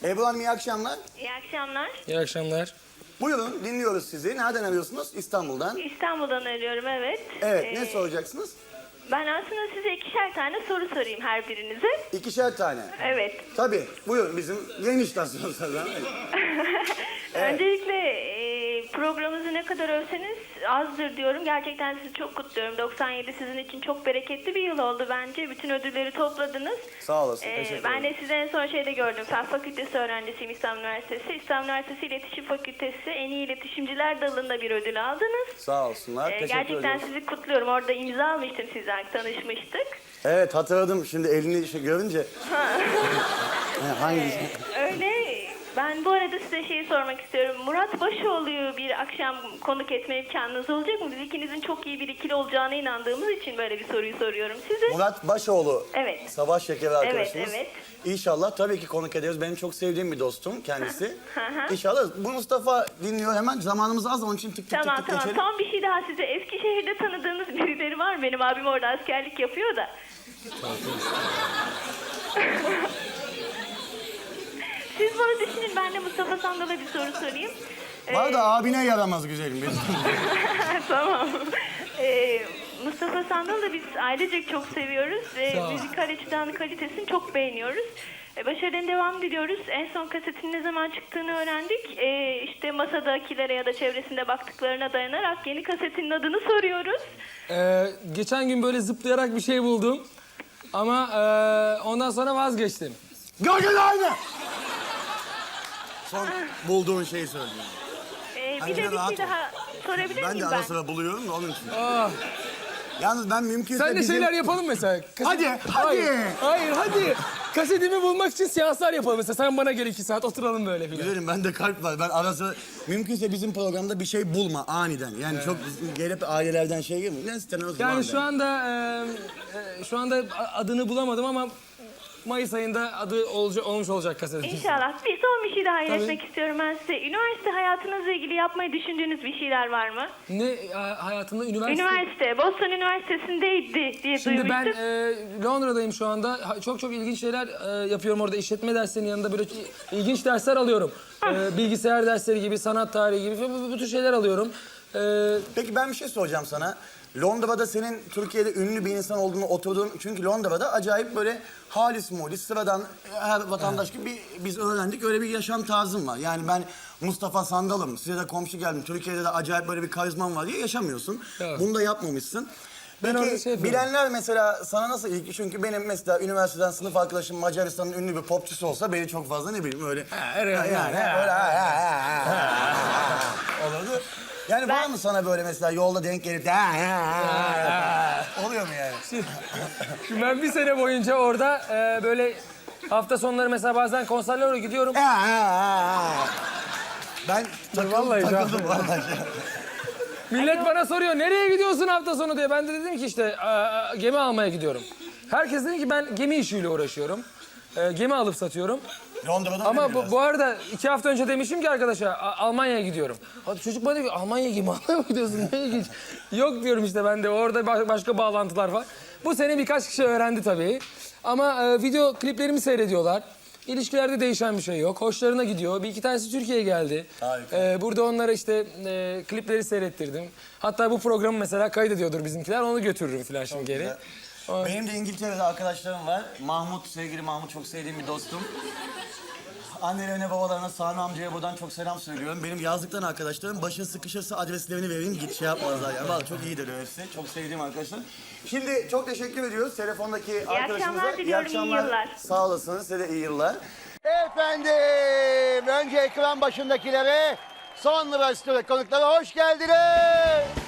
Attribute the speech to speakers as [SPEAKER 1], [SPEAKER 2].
[SPEAKER 1] Ebru Hanım iyi akşamlar.
[SPEAKER 2] İyi akşamlar.
[SPEAKER 3] İyi akşamlar.
[SPEAKER 1] Buyurun dinliyoruz sizi. Nereden arıyorsunuz? İstanbul'dan.
[SPEAKER 2] İstanbul'dan arıyorum, evet.
[SPEAKER 1] Evet ne soracaksınız?
[SPEAKER 2] Ben aslında size 2'şer tane soru sorayım her birinize.
[SPEAKER 1] 2'şer tane.
[SPEAKER 2] Evet.
[SPEAKER 1] Tabii buyurun bizim yeni istasyon zaten. Evet.
[SPEAKER 2] Öncelikle programınızı ne kadar övseniz azdır diyorum. Gerçekten sizi çok kutluyorum. 97 sizin için çok bereketli bir yıl oldu bence. Bütün ödülleri topladınız.
[SPEAKER 1] Sağ olasın. Teşekkür
[SPEAKER 2] Ben
[SPEAKER 1] ederim.
[SPEAKER 2] de sizi en son şeyde gördüm. Fen Fakültesi öğrencisiyim İstanbul Üniversitesi. İstanbul Üniversitesi İletişim Fakültesi en iyi iletişimciler dalında bir ödül aldınız.
[SPEAKER 1] Sağ olsunlar. Teşekkür
[SPEAKER 2] Gerçekten
[SPEAKER 1] ederim.
[SPEAKER 2] sizi kutluyorum. Orada imza almıştım sizden, tanışmıştık.
[SPEAKER 1] Evet hatırladım şimdi elini görünce. Hangi?
[SPEAKER 2] Öyle. Ben bu arada size şeyi sormak istiyorum. Murat Başoğlu'yu bir akşam konuk etme imkanınız olacak mı? Biz ikinizin çok iyi bir ikili olacağına inandığımız için böyle bir soruyu soruyorum size.
[SPEAKER 1] Murat Başoğlu.
[SPEAKER 2] Evet.
[SPEAKER 1] Savaş Şekeri arkadaşımız.
[SPEAKER 2] Evet.
[SPEAKER 1] İnşallah tabii ki konuk ederiz. Benim çok sevdiğim bir dostum kendisi.
[SPEAKER 2] hı.
[SPEAKER 1] İnşallah. Bu Mustafa dinliyor hemen. Zamanımız az onun için tık tık
[SPEAKER 2] Tamam
[SPEAKER 1] tık
[SPEAKER 2] tamam.
[SPEAKER 1] geçelim.
[SPEAKER 2] Son bir şey daha size. Eskişehir'de tanıdığınız birileri var mı? Benim abim orada askerlik yapıyor da. Siz bunu düşünün. Ben de Mustafa Sandal'a bir soru sorayım.
[SPEAKER 1] Var da abine yaramaz güzelim.
[SPEAKER 2] Tamam. Mustafa Sandal'ı da biz ailecek çok seviyoruz.
[SPEAKER 3] Sağ ol.
[SPEAKER 2] Müzikal açıdan kalitesini çok beğeniyoruz. Başarılarına devam ediyoruz. En son kasetin ne zaman çıktığını öğrendik. İşte masadakilere ya da çevresinde baktıklarına dayanarak yeni kasetinin adını soruyoruz.
[SPEAKER 3] Geçen gün böyle zıplayarak bir şey buldum. Ama ondan sonra vazgeçtim.
[SPEAKER 1] Gördün aynı. Son bulduğun şeyi söyleyeyim.
[SPEAKER 2] Bir de bir şey daha sorabilir
[SPEAKER 1] Ben de
[SPEAKER 2] miyim
[SPEAKER 1] ara sıra buluyorum da onun için.
[SPEAKER 3] Ah,
[SPEAKER 1] Yalnız ben mümkünse
[SPEAKER 3] sen de
[SPEAKER 1] bizim...
[SPEAKER 3] şeyler yapalım mesela.
[SPEAKER 1] Hadi, hadi.
[SPEAKER 3] Hayır, hadi. Kasetimi bulmak için seanslar yapalım mesela. Sen bana gel 2 saat oturalım böyle filan.
[SPEAKER 1] Güzelim bende kalp var. Ben ara sıra mümkünse bizim programda bir şey bulma aniden. Yani çok gelip ailelerden şey gelmiyor. Ne istemiyoruz?
[SPEAKER 3] Yani şu anda adını bulamadım ama Mayıs ayında adı olmuş olacak kasetin.
[SPEAKER 2] İnşallah. Bir son bir şey daha
[SPEAKER 3] Tabii.
[SPEAKER 2] iletmek istiyorum ben size. Üniversite hayatınızla ilgili yapmayı düşündüğünüz bir şeyler var mı?
[SPEAKER 3] Ne hayatında üniversite?
[SPEAKER 2] Üniversite. Boston Üniversitesi'ndeydi diye
[SPEAKER 3] Şimdi ben
[SPEAKER 2] duymuştum.
[SPEAKER 3] Londra'dayım şu anda. Çok ilginç şeyler yapıyorum orada. İşletme derslerinin yanında böyle ilginç dersler alıyorum. Bilgisayar dersleri gibi, sanat tarihi gibi bu tür şeyler alıyorum.
[SPEAKER 1] Peki ben bir şey soracağım sana. Londra'da senin Türkiye'de ünlü bir insan olduğunu oturduğun... Çünkü Londra'da acayip böyle halis mulis, sıradan her vatandaş gibi biz öğrendik. Öyle bir yaşam tarzım var. Yani ben Mustafa Sandal'ım, size de komşu geldim. Türkiye'de de acayip böyle bir karizman var diye yaşamıyorsun.
[SPEAKER 3] Evet.
[SPEAKER 1] Bunu da yapmamışsın.
[SPEAKER 3] Ben orada
[SPEAKER 1] Peki
[SPEAKER 3] şey yapıyorum.
[SPEAKER 1] bilenler mesela sana nasıl ilgi? Çünkü benim mesela üniversiteden sınıf arkadaşım Macaristan'ın ünlü bir popçusu olsa beni çok fazla ne bileyim öyle... Olurdu. Yani var mı sana böyle mesela yolda denk gelip oluyor mu yani?
[SPEAKER 3] Şimdi ben bir sene boyunca orada böyle hafta sonları mesela bazen konserlere gidiyorum.
[SPEAKER 1] Ben
[SPEAKER 3] Vallahi
[SPEAKER 1] takıldım vallahi.
[SPEAKER 3] Millet bana soruyor nereye gidiyorsun hafta sonu diye. Ben de dedim ki işte gemi almaya gidiyorum. Herkes dedi ki ben gemi işiyle uğraşıyorum. Gemi alıp satıyorum.
[SPEAKER 1] Londra'da
[SPEAKER 3] Ama bu arada 2 hafta önce demişim ki arkadaşa Almanya'ya gidiyorum. Hadi çocuk bana diyor ki Almanya'ya gemi almaya mı gidiyorsun? Ne ilginç. Yok diyorum işte ben de orada başka bağlantılar var. Bu sene birkaç kişi öğrendi tabii. Ama video kliplerimi seyrediyorlar. İlişkilerde değişen bir şey yok. Hoşlarına gidiyor. Bir iki tanesi Türkiye'ye geldi.
[SPEAKER 1] Harika.
[SPEAKER 3] Burada onlara işte klipleri seyrettirdim. Hatta bu programı mesela kaydediyordur bizimkiler. Onu götürürüm falan şimdi geri.
[SPEAKER 1] güzel. Benim de İngiltere'de arkadaşlarım var. Mahmut, sevgili Mahmut çok sevdiğim bir dostum. Annelerine, babalarına, Sami amcaya buradan çok selam söylüyorum. Benim yazlıktan arkadaşlarım. Başın sıkışırsa adreslerini vereyim. Git şey yapmazlar yani. Vallahi çok iyidir hepsi. Çok sevdiğim arkadaşlar. Şimdi çok teşekkür ediyoruz telefondaki arkadaşımıza.
[SPEAKER 2] akşamlar diliyorum, iyi yıllar.
[SPEAKER 1] Sağ olasınız. Size de iyi yıllar. Efendim, önce ekran başındakilere, sonra stüdyo konuklara hoş geldiniz.